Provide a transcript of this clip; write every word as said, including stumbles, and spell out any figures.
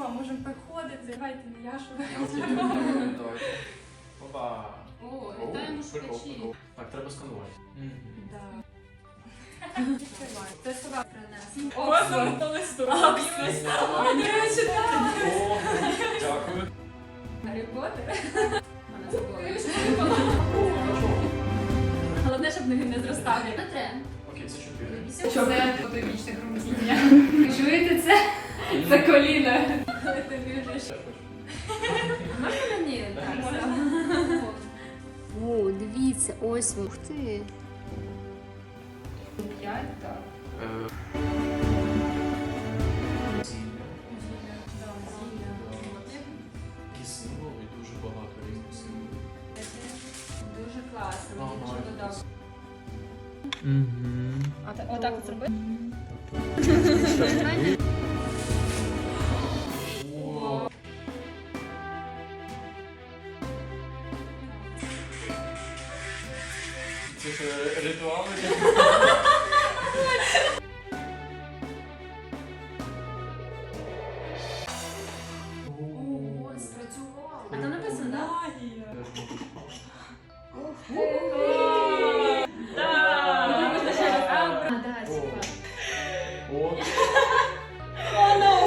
Все, можемо приходити. Давайте не я, що Окей, давайте. Опа. О, вітаємо шукачі. Так, треба сканувати. Да. Відкривай. Це сюди принесли. Оксфорд та листу. Мені читати. О, дякую. Гаррі Поттер. Мене забула. Головне, щоб він не зростав. Не треба. Окей, це чотири. Це фотовічне громадіння. Чуєте це? Це коліна. Коли ти біжиш. Ще хочу. Можна мені? Так, О, дивіться, ось ви. Ух ти. П'ять, так. Е, Зілля. Такі символи, дуже багато різних символів. Дуже класно. Ага, Мені дуже додав. Отак от зроби. О, це ж ритуали.